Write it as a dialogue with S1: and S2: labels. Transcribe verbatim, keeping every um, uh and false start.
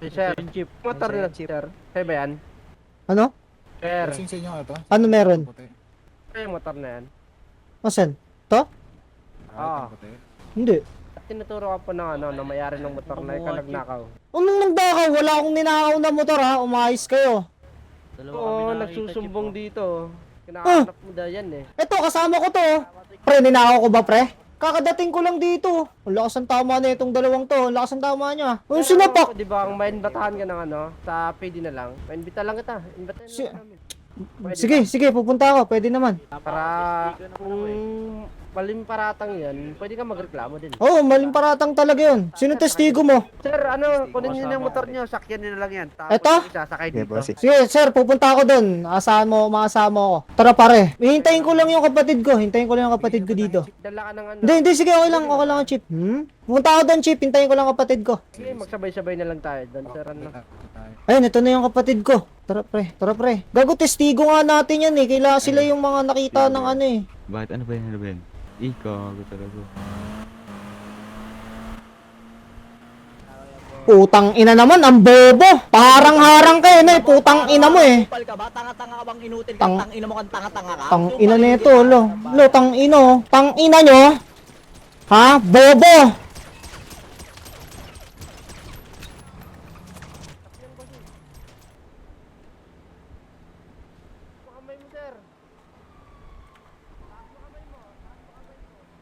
S1: Sir,
S2: Jeep.
S1: motor na sir. Kaya ba yan?
S3: Ano?
S1: Sir,
S4: Lasing sa inyo nga ito.
S3: Ano meron?
S4: Puti.
S1: kaya yung motor na yan?
S3: Asan? To?
S1: Ah.
S4: Ah, puti.
S3: Hindi.
S1: Tinuturo ka po ng ano, na mayari ng motor na ikaw nagnakaw.
S3: Anong nagdakaw? Wala akong ninakaw na motor ha. Umayos kayo.
S2: Dalawa
S1: Oo,
S2: kami nakakita,
S1: nagsusumbong
S2: Jeep,
S1: dito. Kinakahanap mo da yan eh.
S3: Eto, kasama ko to. Pre, ninakaw ko ba pre? Kakadating ko lang dito. Ang lakas ang tama na itong dalawang to. Ang lakas ang tama niya. Ang sinapak.
S1: Di ba, ang mainbatahan ka ng ano, sa P D na lang. Mainbita lang kita. Inbitahan
S3: Si-
S1: lang namin. Pwede
S3: Sige,
S1: ba?
S3: sige, pupunta ako. Pwede naman.
S1: Para kung maling paratang yan, pwede ka magreklamo din.
S3: Oo, oh, maling paratang talaga yun. Sino testigo mo?
S1: Sir, ano, kunin nyo na yung motor nyo, sakyan nyo na lang yan. Tapos
S3: Eto?
S1: yung isa, sakay
S5: Yeah,
S1: dito.
S5: bossy.
S3: Sige, sir, pupunta ako dun. Asahan mo, maasahan mo ako. Tara pare. Hihintayin ko lang yung kapatid ko. Hintayin ko lang yung kapatid ko dito.
S1: Dala ka ng ano.
S3: Hindi, hindi, sige, okay lang. Okay lang ang chip. Hmm? Pupunta ako dun, chip. Hintayin ko lang ang kapatid ko.
S1: Sige, magsabay-sabay na lang tayo doon, sir. Ano?
S3: Ayun, ito na yung kapatid ko. Tara pre, tara pre. Gago, testigo nga natin yan eh. Kailangan sila yung mga nakita ng ano eh.
S5: Bakit ano ba yan? Ano ba yan? Ikaw, ako talaga.
S3: Putang ina naman, ang bobo. Parang-harang kayo na eh. Putang ina mo eh.
S2: Kupal ka ba? Tanga-tanga ka bang inutil ka?
S3: Tang-
S2: Tang ina mo kang tanga-tanga ka?
S3: Tang
S2: Kupal
S3: ina
S2: ka,
S3: nito,
S2: hindi
S3: lo.
S2: ka.
S3: Lo, tang ino. Tang ina nyo. Ha? Bobo.